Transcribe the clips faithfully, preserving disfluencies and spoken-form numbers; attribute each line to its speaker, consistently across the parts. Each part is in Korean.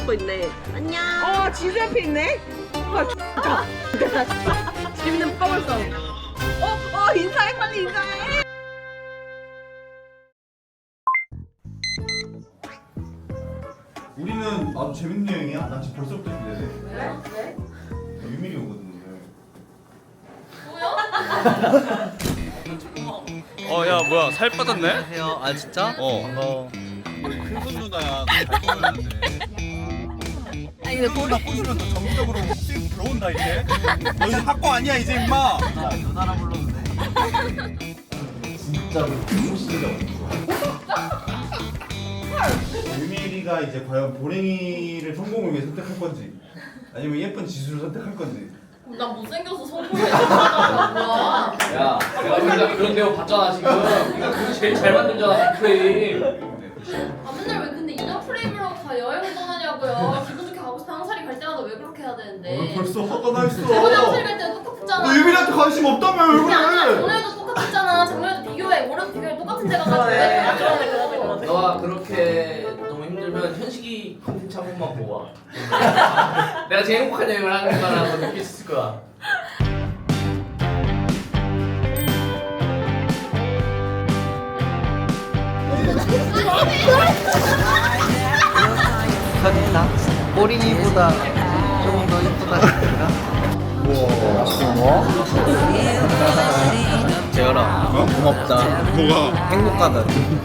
Speaker 1: 거 있네. 안녕.
Speaker 2: 어, 지수 옆에 있네. 와,
Speaker 1: 재밌는 버블 싸움.
Speaker 2: 어, 어, 인사해, 빨리 인사해.
Speaker 3: 우리는 아주 재밌는 여행이야? 난 지금 벌써부터 기대돼.
Speaker 4: 왜? 왜?
Speaker 3: 유민이 오거든 오늘.
Speaker 5: 어, 야, 뭐야, 살 빠졌네?
Speaker 6: 안녕하세요. 아 진짜?
Speaker 5: 어.
Speaker 6: 반가워.
Speaker 5: 큰손 누나야. 잘 보였는데.
Speaker 1: 아니 근데 보리
Speaker 5: 나 꼬시면 너 정기적으로 수익 들어온다, 이제. 너 이제 학고 아니야, 이제, 임마.
Speaker 6: 누나 누나라 불러도 돼.
Speaker 3: 진짜로 무시가 유민이가 이제 과연 보랭이를 성공을 위해 선택할 건지 아니면 예쁜 지수를 선택할 건지.
Speaker 4: 나 못생겨서 성공했잖아. 뭐야?
Speaker 7: 야, 내가 진짜 그런 내용 봤잖아 지금. 네가 그거 제일 잘 만들잖아 프레임.
Speaker 4: 아 맨날 왜 근데 인형 프레임으로 다 여행을 떠나냐고요. 기분 좋게 가고 싶어 항살이 갈 때마다 왜 그렇게 해야 되는데?
Speaker 3: 어, 벌써 화가 나 있어.
Speaker 4: 저번에 항살이 갈 때도 똑같았잖아.
Speaker 3: 너 유민이한테 관심 없다며 왜
Speaker 4: 그게 아니라
Speaker 3: 그래?
Speaker 4: 작년에도 똑같았잖아. 작년에도 비교해. 올해도 비교해. 똑같은 데 가가지고 왜
Speaker 1: 그러네.
Speaker 4: 그러냐고.
Speaker 1: 그러네, 그러네, 그러네.
Speaker 7: 너가 그렇게 너무 힘들면 현식이 콘텐츠 한 번만 보고 와. 내가 제일 행복한 여행을 하는 거라고 느낄 수 있을 거야.
Speaker 6: 축하드립니다. 꼬링이보다 조금 더 이쁘다 싶은가? 재열아, 고맙다.
Speaker 5: 뭐가?
Speaker 6: 행복하다.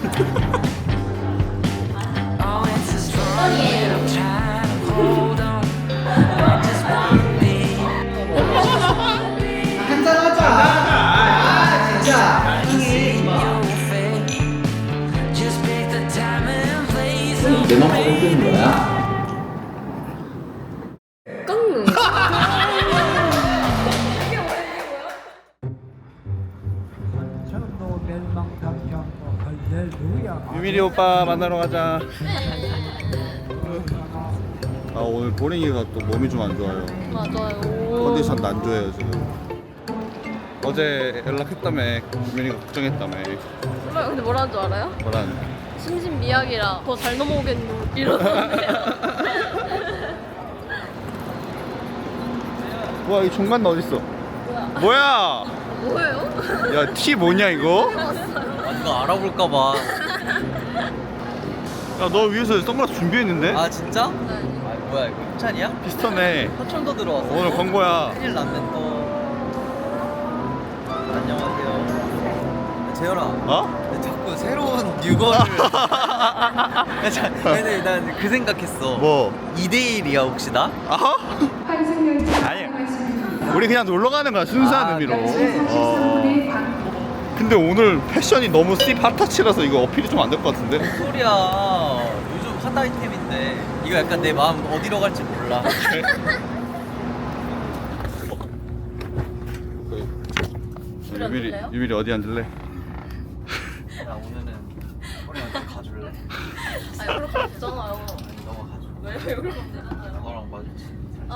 Speaker 7: 내 맘대로 흔드는 거야?
Speaker 1: 깡.
Speaker 5: 유민이 오빠 만나러 가자. 아, 오늘 보링이가 또 몸이 좀 안 좋아요.
Speaker 1: 맞아요.
Speaker 5: 컨디션도 안 좋아요, 지금. 어제 연락했다며. 유민이가 걱정했다며.
Speaker 1: 정말 근데 뭐라는 줄 알아요?
Speaker 5: 뭐라는?
Speaker 1: 심신미약이라 더 잘 넘어오겠노 이러는데요.
Speaker 5: 뭐야, 이 종간 너 어딨어? 뭐야?
Speaker 1: 뭐예요?
Speaker 5: 야, 티 뭐냐, 이거?
Speaker 6: 아, 누가 알아볼까봐.
Speaker 5: 야, 너 위해서 선글라스 준비했는데?
Speaker 6: 아 진짜?
Speaker 1: 네.
Speaker 6: 아 뭐야 이거 협찬이야?
Speaker 5: 비슷하네.
Speaker 6: 화천도 들어왔어.
Speaker 5: 오늘 광고야.
Speaker 6: 큰일 났네 또. 안녕하세요. 재열아.
Speaker 5: 어?
Speaker 6: 왜 자꾸 새로운 뉴거를. 근데 난 그 생각했어.
Speaker 5: 뭐?
Speaker 6: 이 대 일이야 혹시 나?
Speaker 5: 아하? 아니, 우리 그냥 놀러 가는 거야, 순수한
Speaker 6: 아,
Speaker 5: 의미로.
Speaker 6: 그치.
Speaker 5: 어. 근데 오늘 패션이 너무 씹 핫터치라서 이거 어필이 좀 안 될 것 같은데?
Speaker 6: 무슨 소리야. 요즘 핫 아이템인데. 이거 약간 내 마음 어디로 갈지 몰라.
Speaker 1: 우리
Speaker 5: 유밀이,
Speaker 1: 앉을래요?
Speaker 5: 유밀이 어디 앉을래?
Speaker 6: 나 오늘은 우리한테 가줄래?
Speaker 1: 아니 그렇게 없잖아요.
Speaker 6: 너가 가줘.
Speaker 1: 왜 왜 그렇게 되잖아요.
Speaker 6: 너랑 마주치.
Speaker 1: 아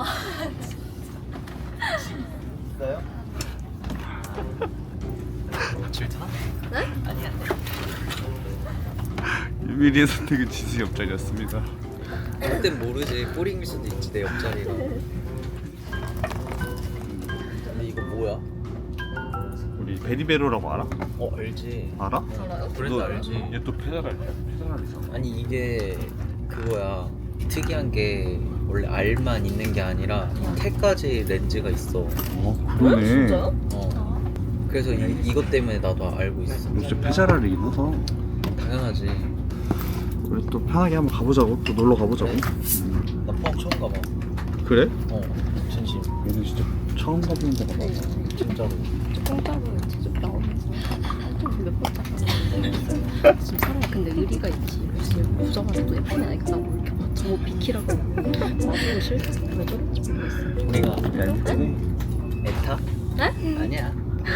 Speaker 6: 있어요? 질투나?
Speaker 1: 네?
Speaker 6: 아니야.
Speaker 5: 유밀이의 선택은 지수 옆자리였습니다.
Speaker 6: 그땐 모르지. 꼬링일 수도 있지 내 옆자리가. 근데 이거 뭐야?
Speaker 5: 우리 베리베로라고 알아?
Speaker 6: 어 알지.
Speaker 5: 알아?
Speaker 1: 알아요?
Speaker 6: 브랜드 알지.
Speaker 5: 얘 또 페달알, 페달알이잖아.
Speaker 6: 아니 이게 그거야. 특이한 게 원래 알만 있는 게 아니라 태까지 렌즈가 있어.
Speaker 5: 어,
Speaker 1: 어?
Speaker 5: 그러네.
Speaker 1: 진짜요?
Speaker 6: 어. 그래서 이, 이것 때문에 나도 알고 있어.
Speaker 5: 너 진짜 페달알이 있어서
Speaker 6: 당연하지.
Speaker 5: 우리 또 편하게 한번 가보자고. 또 놀러 가보자고.
Speaker 6: 그래?
Speaker 5: 음.
Speaker 6: 나 포항 처음 가봐.
Speaker 5: 그래?
Speaker 6: 어 진심.
Speaker 5: 얘는 진짜 처음 가보는 데가 많아.
Speaker 6: 진짜로.
Speaker 8: 공짜로 직접 나오면서 한통 몇번 짰잖아. 지금 사람 근데 의리가 있지. 무슨 보자마자 또 예쁜 애 아니까 나뭐 이렇게 막 저거 비키라고 나보고 싫다. 왜 저런지 모르겠어.
Speaker 6: 우리가
Speaker 5: 얄밉네.
Speaker 6: 에타?
Speaker 1: 네?
Speaker 6: 아니야.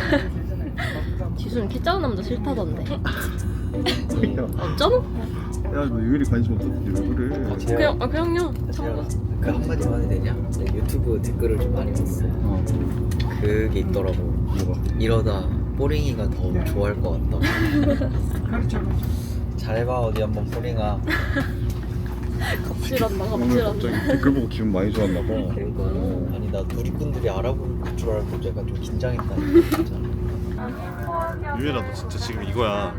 Speaker 1: 지수는 키 작은 남자 싫다던데.
Speaker 5: 야,
Speaker 1: 어쩌노?
Speaker 5: 야, 너 유일이 관심 없었는데 왜 그래?
Speaker 1: 그냥 아 그냥요.
Speaker 6: 제가 그 한마디만 해도 되냐? 내가 유튜브 댓글을 좀 많이 봤어.
Speaker 5: 어,
Speaker 6: 그게 있더라고.
Speaker 5: 뭐가?
Speaker 6: 이러다 뽀링이가 더 좋아할 것 같다. 잘해봐 어디 한번 뽀링아.
Speaker 1: 갑질한다
Speaker 5: 오늘
Speaker 1: 갑질한다.
Speaker 5: 갑자기 댓글 보고 기분 많이 좋았나 봐.
Speaker 6: 그러니까요. 아니 나 누리꾼들이 알아볼 줄 알고 내가 좀 긴장했다니까 진짜.
Speaker 5: 유혜라 너 진짜 지금 이거야.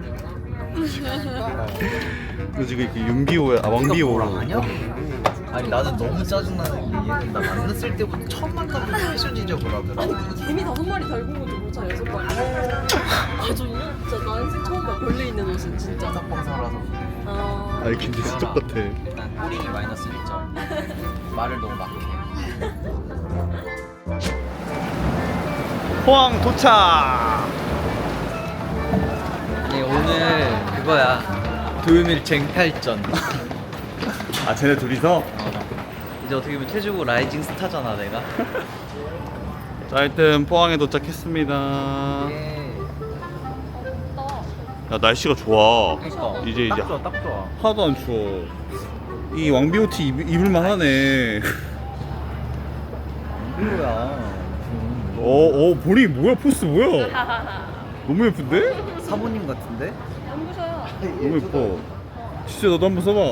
Speaker 5: 너 지금 그 윤비호야, 아 왕비호.
Speaker 6: 아니야? 아니 나는 너무 짜증나는 게 얘는 나 만났을 때부터 처음 만나면 패션 지적을 하더라.
Speaker 1: 아니 개미 다섯 마리 달고 오지 못하 여섯 마리. 아 정말 진짜 나 인생 처음 봐 벌레 있는 옷은 진짜.
Speaker 6: 짝방 살아서.
Speaker 1: 아
Speaker 5: 아니 근데 진짜 똑같아.
Speaker 6: 일단 꼬링이 마이너스 일 점. 말을 너무 막 해.
Speaker 5: 포항 도착.
Speaker 6: 네 오늘 그거야. 도요밀 쟁탈전.
Speaker 5: 아 쟤네 둘이서?
Speaker 6: 어. 이제 어떻게 보면 태주고 라이징 스타잖아 내가.
Speaker 5: 자 하여튼 포항에 도착했습니다.
Speaker 6: 예.
Speaker 5: 야 날씨가 좋아.
Speaker 6: 그러니까.
Speaker 5: 이제 이제
Speaker 6: 딱 좋아 딱 좋아.
Speaker 5: 하나도 안 추워. 이 왕비호 티 입, 입을만 하네.
Speaker 6: 이거야.
Speaker 5: 어, 어, 보리 뭐야? 포스 뭐야? 너무 예쁜데?
Speaker 6: 사모님 같은데?
Speaker 5: 너무 예뻐. 진짜 너도 한번 써봐.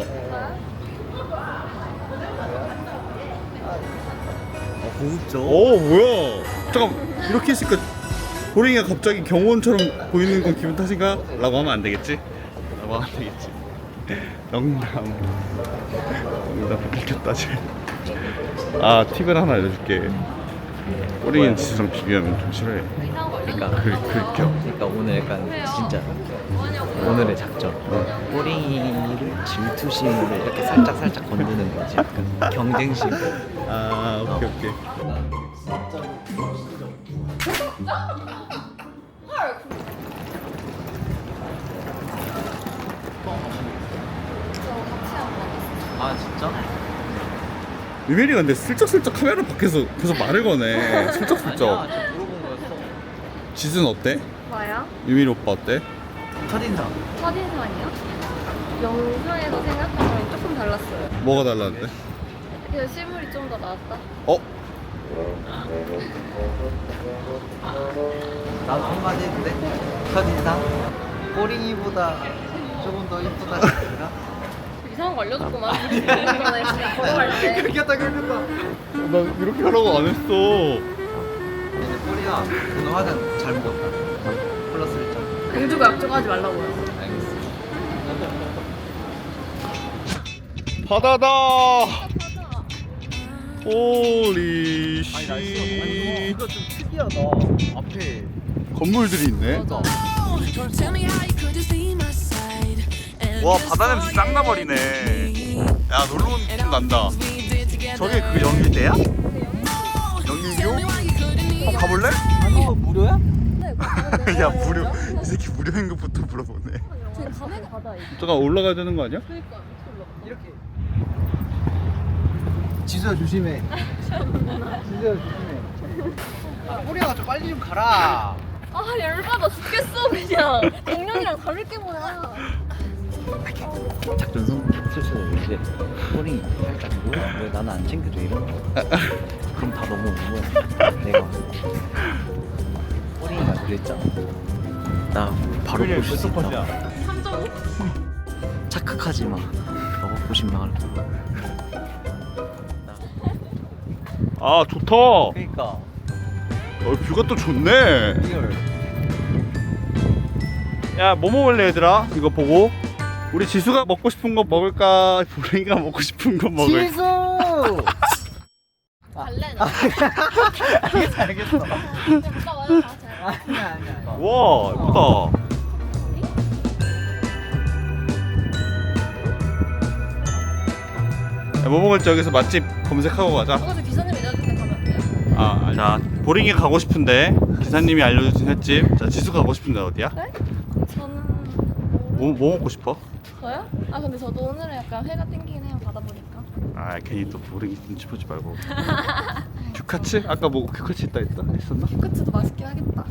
Speaker 6: 어 고급져.
Speaker 5: 어, 뭐야? 잠깐 이렇게 했으니까 보링이가 갑자기 경호원처럼 보이는 건 기분 탓인가? 라고 하면 안 되겠지? 라고 하면 안 되겠지. 농담. 농담 들켰다 지금. 아 팁을 하나 알려줄게. 보링이는 지수랑 비교하면 좀 싫어해.
Speaker 6: 그러니까
Speaker 5: 그, 그, 겨.
Speaker 6: 그러니까 오늘 약간 진짜 오늘의 작전. 꼬링이를 질투심으로 이렇게 살짝 살짝 건드는 거지. 약간 경쟁심.
Speaker 5: 아 오케이 오케이.
Speaker 6: 아 진짜?
Speaker 5: 유메리가 근데 슬쩍슬쩍 카메라 밖에서 계속 말을 거네. 슬쩍슬쩍.
Speaker 6: 아니야, 저 물어본 거였어.
Speaker 5: 지수는 어때?
Speaker 8: 뭐야?
Speaker 5: 유메리 오빠 어때?
Speaker 6: 첫인상.
Speaker 8: 첫인상이요? 영상에서 생각한 거랑 조금 달랐어요.
Speaker 5: 뭐가 달랐는데?
Speaker 8: 그냥 실물이 좀 더 나았다.
Speaker 5: 어?
Speaker 6: 나도 한마디 했는데 첫인상 꼬링이보다 조금 더 이쁘다 싶은가?
Speaker 1: 이상한 거 알려줬구만. 이번에 그냥 걸어갈 때.
Speaker 6: 그렇겠다 그렇겠다.
Speaker 5: 나 이렇게 하라고 안 했어.
Speaker 6: 근데 꼬리야 오늘 화장 잘 먹었다. 플러스 일 점.
Speaker 1: 공주가 약속하지 말라고요.
Speaker 6: 알겠어.
Speaker 5: 바다다. 호리 씨.
Speaker 6: 이거 좀 특이하다. 앞에
Speaker 5: 건물들이 있네. 와 바다 냄새 짱 나버리네. 야 놀러 온 느낌 난다. 저게 그 영일대야? 영일교? 어 가볼래?
Speaker 6: 아니 이거 무료야?
Speaker 5: 야 무료. 이 새끼 무료 행급부터 물어보네.
Speaker 1: 지금 밤에 바다 있어.
Speaker 5: 잠깐 올라가야 되는 거 아니야?
Speaker 1: 그러니까
Speaker 6: 이렇게. 지수야 조심해. 지수야 조심해. 꼬리야 좀 빨리 좀 가라.
Speaker 1: 아 열받아 죽겠어 그냥. 작년이랑 다를 게 뭐야.
Speaker 6: 작전 성공. 슬슬 이제 꼬리 살짝 뭐야? 왜 나는 안 챙겨줘 이런 거. 그럼 다 넘어오는 거야. 내가 꼬리가 그랬잖아. 나 바로 보실 수 있다.
Speaker 1: 삼 점 오?
Speaker 6: 착각하지 마. 너가 보신 말을.
Speaker 5: 아 좋다.
Speaker 6: 그러니까
Speaker 5: 어, 뷰가 또 좋네.
Speaker 6: 리얼.
Speaker 5: 야 뭐 먹을래 얘들아? 이거 보고 우리 지수가 먹고 싶은 거 먹을까? 보랭이가 먹고 싶은 거 먹을까?
Speaker 6: 지수.
Speaker 1: 갈래 나.
Speaker 6: 알겠어 알겠어.
Speaker 1: 오빠 와요 다 잘.
Speaker 6: 아니야 아니야.
Speaker 5: 와 예쁘다. 야, 뭐 먹을지 여기서 맛집 검색하고 가자.
Speaker 1: 어제 기사님 내려줄 때 가면 안 돼요?
Speaker 5: 아, 자 보링이 가고 싶은데 기사님이 알려주신 횟집. 자 지수 가고 싶은데 어디야?
Speaker 1: 저는
Speaker 5: 뭐, 뭐 먹고 싶어?
Speaker 1: 저요? 아 근데 저도 오늘은 약간 회가 땡기긴 해요 바다 보니까.
Speaker 5: 아 괜히 또 보링이 눈치 보지 말고. 규카츠? 아까 뭐 규카츠 있다 했다 했었나?
Speaker 1: 그치도 맛있긴 하겠다.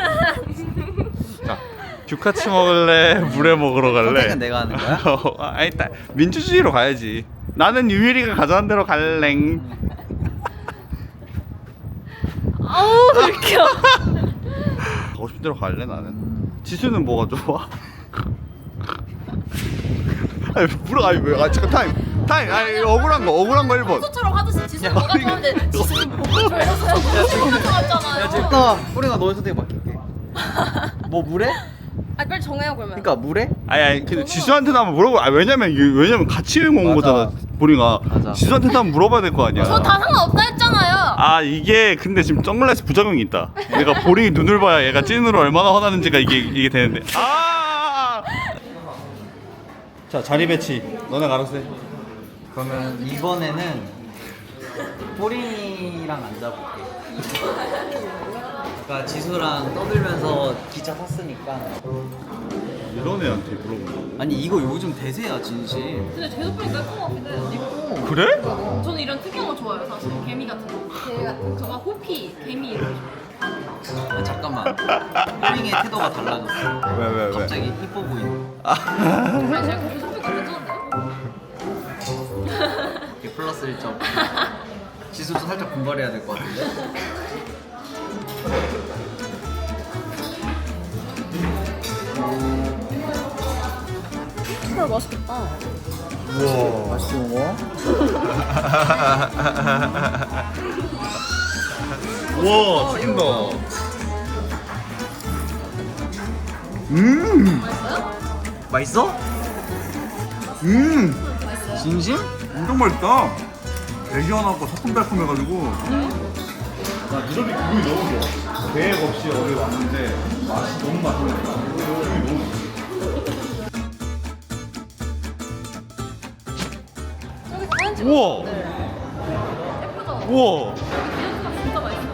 Speaker 5: 자 규카츠 먹을래? 물회 먹으러 갈래?
Speaker 6: 선택은 내가 하는 거야?
Speaker 5: 어, 아, 일단 민주주의로 가야지. 나는 유미리가 가져간 대로 갈랭.
Speaker 1: 아우 불켜.
Speaker 5: 가고 싶은 대로 갈래 나는. 지수는 뭐가 좋아? 아니 물어 아니 왜? 아 잠깐 타임 타임. 아니 억울한 거 억울한 거 일 번.
Speaker 4: 소처럼 하듯이 지수는 뭐가 좋아하는데 지수는 뭐가 좋아해서 뭐가 좋았잖아요.
Speaker 6: 야 지금 뿌리가 너의 선택 맡길게. 뭐 물에?
Speaker 1: 아 빨리 정해요 그러면.
Speaker 6: 그러니까 물에?
Speaker 5: 아니 아니 근데 지수한테도 한번 물어보. 아 왜냐면 이게 왜냐면 같이 여행 온
Speaker 6: 맞아.
Speaker 5: 거잖아. 보링아.
Speaker 6: 맞아.
Speaker 5: 지수한테도 한번 물어봐야 될 거 아니야.
Speaker 4: 저 다 상관없다 했잖아요.
Speaker 5: 아 이게 근데 지금 선글라스 부작용이 있다. 얘가 보링이 눈을 봐야 얘가 찐으로 얼마나 화나는지가 이게 이게 되는데. 아.
Speaker 3: 자 자리 배치 너네 알아서 해.
Speaker 6: 그러면 이번에는 뿌링이랑 앉아볼게. 아까 지수랑 떠들면서 기차 탔으니까.
Speaker 5: 이런 애한테 물어보는
Speaker 6: 아니 이거 요즘 대세야 진심.
Speaker 4: 근데 제수풀이 깔것 같기도 해요.
Speaker 5: 거. 그래?
Speaker 4: 저는 이런 특이한 거 좋아해요 사실. 개미 같은 거. 개미 같은 거. 저가 호피, 개미 이런 거.
Speaker 6: 아, 잠깐만. 뿌링의 태도가 달라졌어.
Speaker 5: 왜 왜 왜?
Speaker 6: 갑자기 이뻐 보이네.
Speaker 4: 아니 제가 제수풀 괜찮은데요?
Speaker 6: 이게 플러스 일 점. 지수도 살짝 분발해야 될 것 같은데.
Speaker 1: 헐 맛있겠다.
Speaker 6: 우와 맛있게 먹어.
Speaker 5: 우와 튀긴다. 음.
Speaker 6: 맛있어?
Speaker 5: 음.
Speaker 6: 진심?
Speaker 5: 엄청 맛있다. 애기하고 새콤달콤해가지고. 나 이렇게 기분이 너무 좋아. 계획 없이 여기 왔는데 맛이 너무 맛있네. 기분이 너무 좋아. 우와.
Speaker 4: 예쁘죠?
Speaker 5: 우와.
Speaker 4: 디저트가 진짜 맛있어요.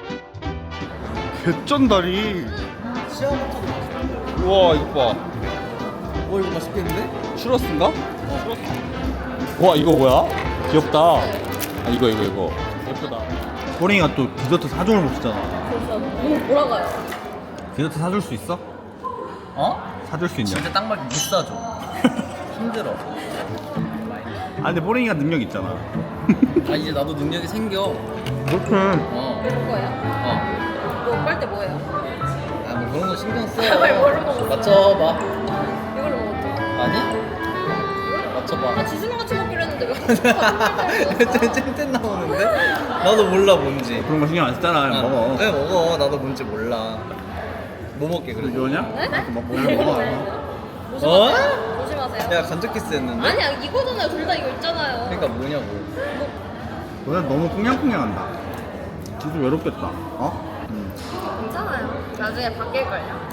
Speaker 5: 개쩐다리.
Speaker 6: 시아부터도 맛있어.
Speaker 5: 우와 이거 봐.
Speaker 6: 어 이거 맛있겠는데?
Speaker 5: 추러스인가? 추러스. 와 이거 뭐야? 귀엽다. 아 이거 이거 이거. 예쁘다.
Speaker 3: 보링이가 또 디저트 사줘를 못 쓰잖아.
Speaker 1: 그래서 뭐 몰아가요.
Speaker 3: 디저트 사줄 수 있어?
Speaker 6: 어?
Speaker 3: 사줄 수 있냐?
Speaker 6: 진짜 딱 맞게 못 사줘. 힘들어.
Speaker 3: 아 근데 보링이가 능력 있잖아.
Speaker 6: 아 이제 나도 능력이 생겨.
Speaker 3: 그렇게.
Speaker 6: 어.
Speaker 1: 이럴 거예요?
Speaker 6: 어.
Speaker 1: 뭐 빨대 뭐예요?
Speaker 6: 아뭐 그런 거 신경 써.
Speaker 1: 이걸로 먹어.
Speaker 6: 맞춰봐.
Speaker 1: 이걸로 먹어.
Speaker 6: 아니? 맞춰봐.
Speaker 1: 아 지수랑 같이 먹기로 했는데 왜?
Speaker 6: 잼잼 나오는데? 나도 몰라 뭔지.
Speaker 3: 그런 거 신경 안 쓰잖아. 그냥 먹어.
Speaker 6: 왜 먹어? 나도 뭔지 몰라. 뭐 먹게 그래?
Speaker 3: 이거냐?
Speaker 1: 네?
Speaker 3: 뭐 먹어. 먹어.
Speaker 6: 어?
Speaker 1: 조심하세요.
Speaker 6: 야 간접 키스 했는데?
Speaker 1: 아니야 이거잖아요. 둘 다 이거 있잖아요.
Speaker 6: 그러니까 뭐냐고.
Speaker 3: 너네 너무 꽁냥꽁냥한다. 지수 외롭겠다. 어? 응.
Speaker 1: 괜찮아요. 나중에 바뀔걸요.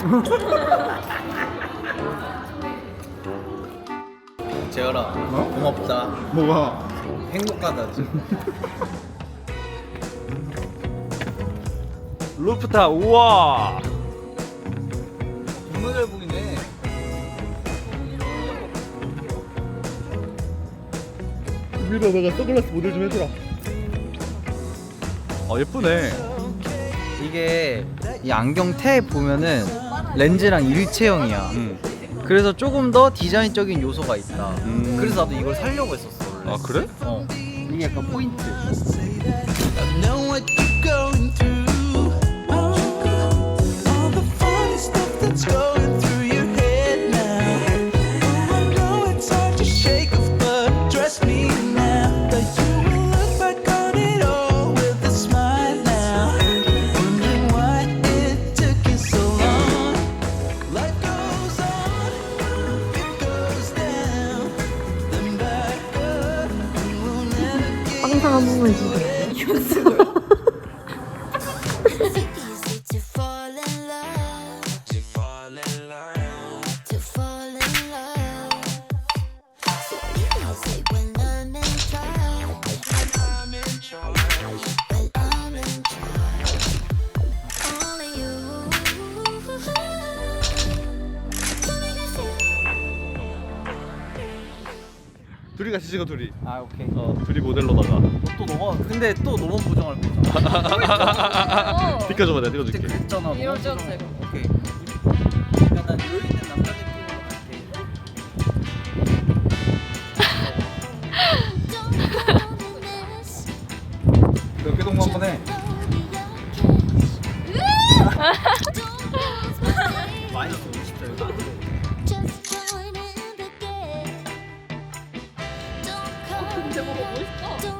Speaker 6: 재열아
Speaker 3: 어?
Speaker 6: 고맙다.
Speaker 3: 뭐가?
Speaker 6: 행복하다 지금.
Speaker 5: 루프탑 우와.
Speaker 6: 정말 잘 보이네.
Speaker 5: 유빈아 내가 선글라스 모델 좀 해주라. 아 예쁘네.
Speaker 6: 이게 이 안경 테 보면은 렌즈랑 일체형이야.
Speaker 5: 음.
Speaker 6: 그래서 조금 더 디자인적인 요소가 있다.
Speaker 5: 음.
Speaker 6: 그래서 나도 이걸 살려고 했었어 원래.
Speaker 5: 아 그래?
Speaker 6: 어. 이게 약간 포인트.
Speaker 9: know what you're going through. All the funny stuff that's going through your head now. Oh, I know it's hard to shake off, but trust me now that you will look back on it all with a smile now. Wondering why it took you so long. Life goes on, it goes down, then back up, and we'll never get.
Speaker 8: 항상 한 번만 해주세요.
Speaker 9: Is it easy to fall in love? To fall in love. To fall in love. So easy when I'm in trouble. When I'm in trouble. When I'm in trouble. Only you. Don't make me feel.
Speaker 5: 둘이 같이 찍어 둘이.
Speaker 6: 아 오케이.
Speaker 5: 어 둘이 모델로다가.
Speaker 6: 또 너가 근데 또 너만 보정할 거잖아.
Speaker 5: 비켜줘봐 내가
Speaker 6: 그때
Speaker 5: 찍어줄게.
Speaker 6: 그랬잖아.
Speaker 1: 이런
Speaker 6: 너만
Speaker 1: 찍어도
Speaker 6: 보정할
Speaker 1: 되고.
Speaker 6: 거. 오케이. 그러니까 난 여유 있는 남자 느낌으로 갈게.
Speaker 3: 그 어깨동무 한번 해.
Speaker 6: 마이너스 오십 점.
Speaker 9: Just join in the game. Don't
Speaker 1: 대박 멋있다.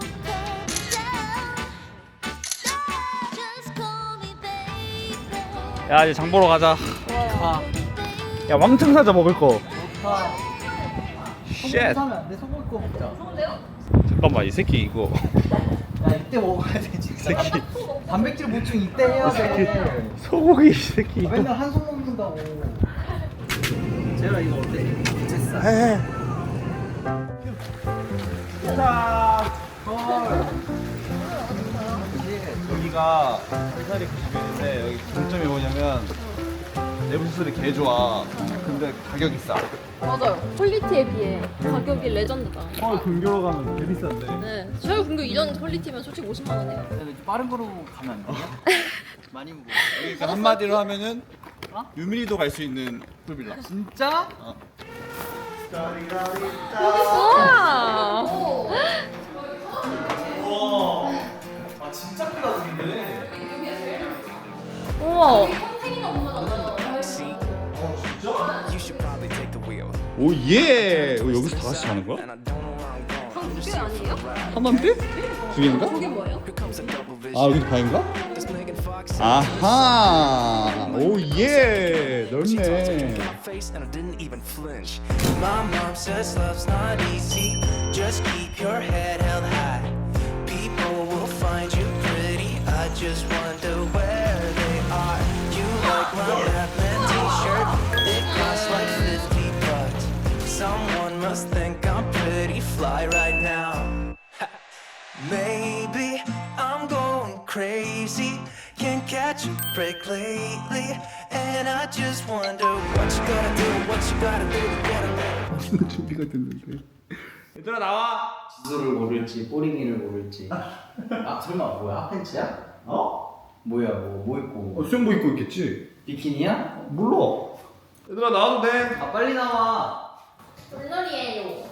Speaker 5: 야 이제 장 보러 가자. 야 왕창 사자 먹을 거. 쉣.
Speaker 6: 사면 안돼. 소고기 구워 먹자.
Speaker 5: 잠깐만 이 새끼 이거.
Speaker 6: 야 이때 먹어야 돼 진짜.
Speaker 5: 새끼.
Speaker 6: 단백질 보충 이때 해야 돼.
Speaker 5: 소고기 이 새끼 이거.
Speaker 6: 맨날 한손 먹는다고. 제가 이거 어때? 부채살.
Speaker 5: 해.
Speaker 6: 자. 헐.
Speaker 5: 여기가 살살이 구십 원인데 여기 장점이 뭐냐면 내부 수술이 개 좋아. 근데 가격이 싸.
Speaker 8: 맞아요. 퀄리티에 비해 가격이 레전드다.
Speaker 5: 서울 근교로 가면 개 비싼데.
Speaker 8: 네. 서울 근교 이전 퀄리티면 솔직히 오십만 원이에요.
Speaker 6: 빠른 거로 가면 안 돼요? 많이 무거워.
Speaker 5: 그러니까 한마디로 하면은 유민이도 갈 수 있는 풀빌라.
Speaker 6: 진짜?
Speaker 5: 어.
Speaker 8: 우와.
Speaker 5: 아 진짜 크다 근데.
Speaker 8: 우와.
Speaker 5: 오 예. 여기서 다 같이 자는 거야?
Speaker 8: 한두개 아니에요?
Speaker 5: 하나인데? 두 개인가?
Speaker 8: 그게 뭐예요?
Speaker 5: 아 여기도 방인가? 아하. 오 예. 넓네.
Speaker 9: My mom says love's not easy. Just keep your head held high. People will find you pretty. I just wonder where they are. You like my Batman t-shirt? It costs like fifty bucks. Someone must think I'm pretty fly right now. Maybe I'm going crazy. Can't catch a break lately. And I just wonder what you gotta do, what you gotta do to get away.
Speaker 5: 맛있는 준비가 됐는데. 얘들아 나와.
Speaker 6: 지수를 고를지 뽀링이를 고를지. 아 설마 뭐야? 핫팬츠야?
Speaker 5: 어?
Speaker 6: 뭐야 뭐 뭐 입고?
Speaker 5: 어, 수영복 입고 있겠지.
Speaker 6: 비키니야?
Speaker 5: 몰라. 얘들아 나와도 돼.
Speaker 6: 아 빨리 나와.
Speaker 4: 물놀이에요.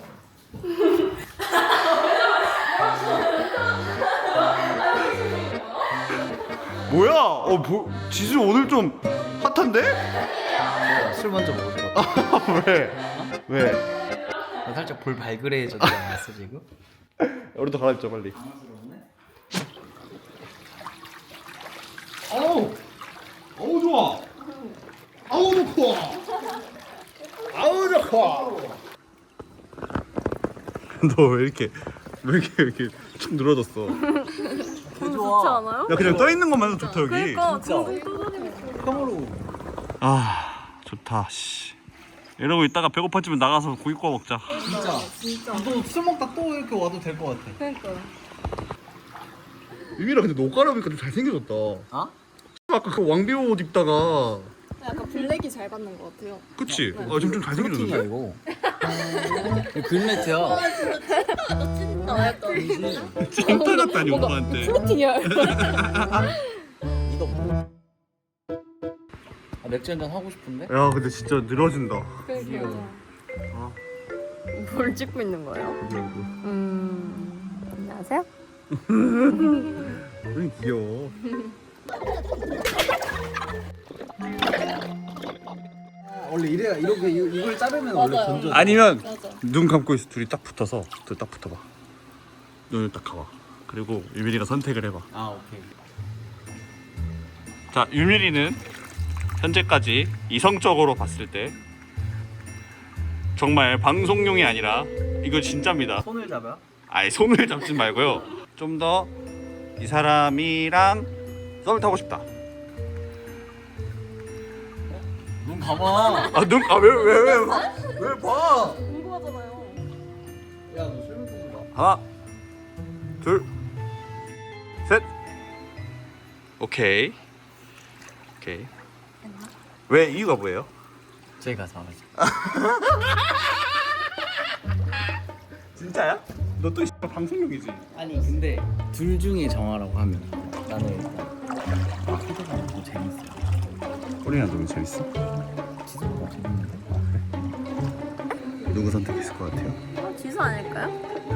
Speaker 5: 뭐야? 어, 뭐, 지수 오늘 좀 핫한데?
Speaker 6: 술 먼저 먹을 것 같아.
Speaker 5: 왜? 왜?
Speaker 6: 나 살짝 볼 발그레해졌지 않았어 지금?
Speaker 5: 우리도 갈아입자 빨리.
Speaker 6: 당황스럽네.
Speaker 5: 어우, 어우 좋아. 아우 좋고. 아우 좋고. 너 왜 이렇게 왜 이렇게 왜 이렇게 축 늘어졌어?
Speaker 8: 좋지 않아요?
Speaker 5: 야 그냥 떠 있는 것만 해도 좋다 여기.
Speaker 8: 그러니까
Speaker 6: 진짜.
Speaker 8: 둥둥 떠다니고.
Speaker 6: 콩으로.
Speaker 5: 아 좋다. 씨. 이러고 있다가 배고파지면 나가서 고기 구워 먹자.
Speaker 6: 진짜.
Speaker 8: 진짜.
Speaker 6: 너 술 먹다 또 이렇게 와도 될 것 같아.
Speaker 8: 그러니까.
Speaker 5: 유미라 근데 너 깔아보니까 좀 잘생겨졌다.
Speaker 6: 어?
Speaker 5: 아까 그 왕비호 옷 입다가
Speaker 8: 약간 블랙이 잘 받는 것 같아요.
Speaker 5: 그치? 아 지금 좀
Speaker 6: 프로틴이야
Speaker 5: 잘생겨졌는데?
Speaker 6: 이거. 이거 글매트야.
Speaker 8: 너 찐다 약간.
Speaker 5: 찐따 같다니 오빠한테.
Speaker 8: 프로틴이야.
Speaker 6: 이거 뭐? 아, 맥주 한잔 하고 싶은데?
Speaker 5: 야 근데 진짜 늘어진다.
Speaker 8: 그러니까. 뭘 찍고 있는 거예요? 음. 안녕하세요.
Speaker 5: 우린 귀여워.
Speaker 6: 원래 이래야 이렇게 이- 이걸 자르면 원래
Speaker 8: 맞아요.
Speaker 6: 건져.
Speaker 5: 아니면
Speaker 8: 맞아.
Speaker 5: 눈 감고 있어. 둘이 딱 붙어서 둘 딱 붙어봐. 눈을 딱 감아. 그리고 유민이가 선택을 해봐.
Speaker 6: 아 오케이.
Speaker 5: 자 유민이는 현재까지 이성적으로 봤을 때 정말 방송용이 아니라 이거 진짜입니다.
Speaker 6: 손을 잡아.
Speaker 5: 아예 손을 잡지 말고요. 좀 더 이 사람이랑 썸을 타고 싶다.
Speaker 6: 눈 감아.
Speaker 5: 아 눈 아 왜 왜 왜 왜 봐?
Speaker 8: 궁금하잖아요.
Speaker 6: 야 너 술 먹는 거.
Speaker 5: 하나, 둘, 셋. 오케이. 오케이. 왜 이유가 뭐예요?
Speaker 6: 제가 잘하지.
Speaker 5: 진짜야? 너 또 방송용이지?
Speaker 6: 아니 근데 둘 중에 정하라고 하면 나는 일단 아 코드가 더 재밌어.
Speaker 5: 우리랑 너무 재밌어.
Speaker 6: 지수보다 재밌는데.
Speaker 5: 누구 선택했을 것 같아요?
Speaker 8: 어, 지수 아닐까요?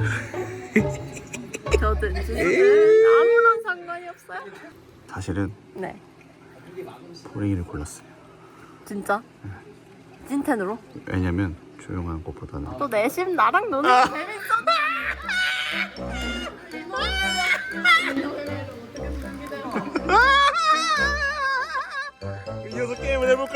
Speaker 8: 저든 지수는 아무런 상관이 없어요.
Speaker 5: 사실은
Speaker 8: 네.
Speaker 5: 보링이를 골랐어요.
Speaker 8: 진짜? 찐텐으로?
Speaker 5: 왜냐면 조용한 것보다는
Speaker 8: 또 내심 나랑 노는 게 재밌어.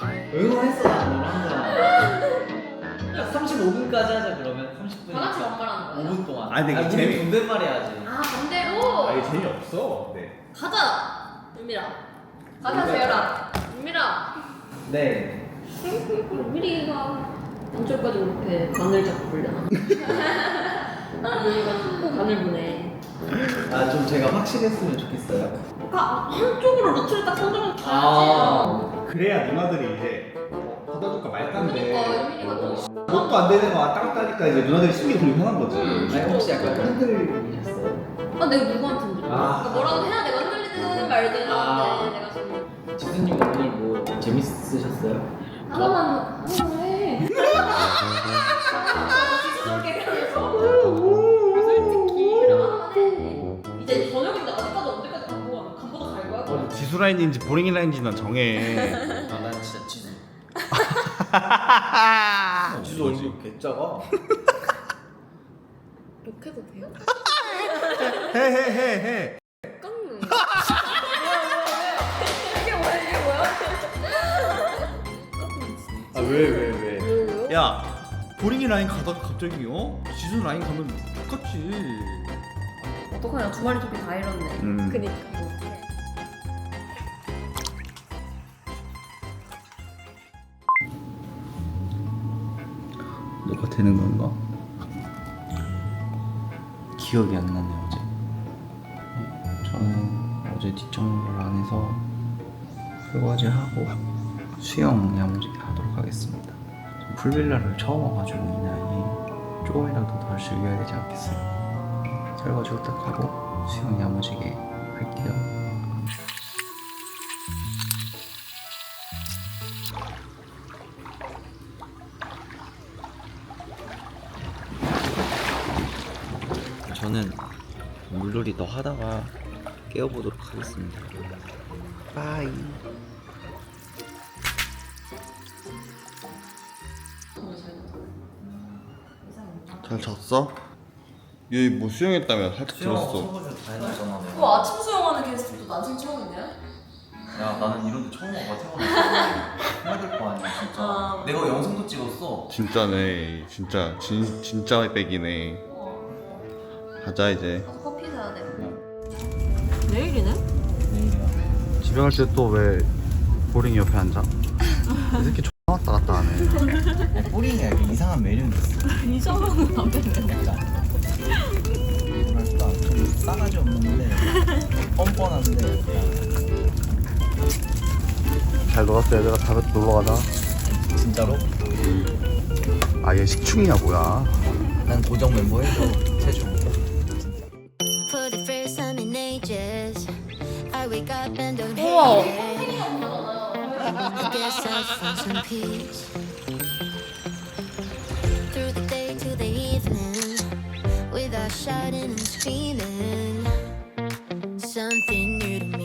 Speaker 6: 응원했어 나 오늘 항상. 삼십오 분까지 하자 그러면 삼십 분.
Speaker 4: 다 같이 반말하는 거예요?
Speaker 6: 오 분 동안.
Speaker 3: 아니, 근데 이게
Speaker 6: 우리
Speaker 3: 재미-
Speaker 6: 존댓말 해야지.
Speaker 4: 아 반대로?
Speaker 3: 아 이게 재미없어. 네.
Speaker 4: 가자 윤미라 가자 재열아 윤미라
Speaker 6: 네.
Speaker 1: 미리가 언제까지 그렇게 간을 잡고 보려나? 미리가 자꾸 간을 보내.
Speaker 6: 아 좀 제가 확실했으면 좋겠어요.
Speaker 1: 그러니까 한쪽으로 루트를 딱 선정을
Speaker 6: 아.
Speaker 1: 가야지.
Speaker 3: 그래야 누나들이 이제 어, 받아줄까 말까인데
Speaker 4: 그러니까 윤미리가 좀
Speaker 3: 뭣도 안 되는 거 왔다 갔다 하니까 이제 누나들이 심리 불편한 거지.
Speaker 6: 아니 혹시 약간 흔들리셨어요?
Speaker 1: 아 내가 누구한테 흔들려?
Speaker 6: 아.
Speaker 4: 그러니까 뭐라도 해야 내가 흔들리든 말든
Speaker 6: 아.
Speaker 4: 하는데 내가 지금
Speaker 6: 지수님 오늘 뭐 재밌으셨어요?
Speaker 4: 하나만 하나만 해. 지수님께 그러면서 솔직히 하나만 해. 이제 저녁인데 아직까지 언제까지 간보다 간보다 갈 거야?
Speaker 5: 어, 지수 라인인지 보링 라인인지 난 정해.
Speaker 6: 아, 난 진짜 지수. 지수 얼굴 개짜가.
Speaker 1: 욕해도 돼요?
Speaker 5: 해해해 해.
Speaker 1: 깡는.
Speaker 4: 이게 뭐야 이게 뭐야?
Speaker 6: 아 왜 왜 왜?
Speaker 1: 왜요?
Speaker 5: 야 보링이 라인 가다가 갑자기 어? 지수 라인 가면 똑같지.
Speaker 4: 어떡하냐 두 마리 토끼 다 잃었네.
Speaker 5: 음.
Speaker 1: 그니까.
Speaker 5: 너가 되는 건가?
Speaker 10: 기억이 안 나네요 어제. 저는 어제 뒷정리를 안 해서 설거지 하고 수영 야무지게 하도록 하겠습니다. 전 풀빌라를 처음 와가지고 이 나이에 조금이라도 덜 즐겨야 되지 않겠어요. 설거지 후딱 하고 수영 야무지게 할게요. 저는 물놀이 더 하다가 깨워보도록 하겠습니다. 빠이.
Speaker 5: 잘 잤어? 얘 뭐 수영했다며 살짝 들었어.
Speaker 6: 설거지 다 해놨잖아. 내가.
Speaker 4: 그 아침 수영하는 게스트도 난생 처음이냐?
Speaker 6: 야 나는 이런 데 처음 와봐 태어나서 해야 될 거 아니야 진짜.
Speaker 4: 아.
Speaker 6: 내가 영상도 찍었어.
Speaker 5: 진짜네. 진짜 진 진짜 백이네. 가자 이제.
Speaker 4: 가서 커피 사야 돼.
Speaker 1: 내일이네?
Speaker 6: 내일이야.
Speaker 5: 집에 갈 때 또 왜 보링 옆에 앉아? 이 새끼 X 왔다 갔다 하네.
Speaker 6: 뿌링이 약간 이상한 매력이 있어.
Speaker 1: 이상한 남자네.
Speaker 6: 뭐랄까 좀 싸가지 없는데 뻔뻔한데 약간.
Speaker 5: 잘 놀았어 얘들아. 다음에 또 놀러 가자.
Speaker 6: 진짜로?
Speaker 5: 아얘 식충이야 뭐야.
Speaker 6: 난 고정 멤버 해줘 세주.
Speaker 9: For the first time in ages, I wake up and don't
Speaker 1: 우와.
Speaker 9: hate it. I guess I'll find some peace. Through the day to the evening, without shouting and screaming. Something new to me.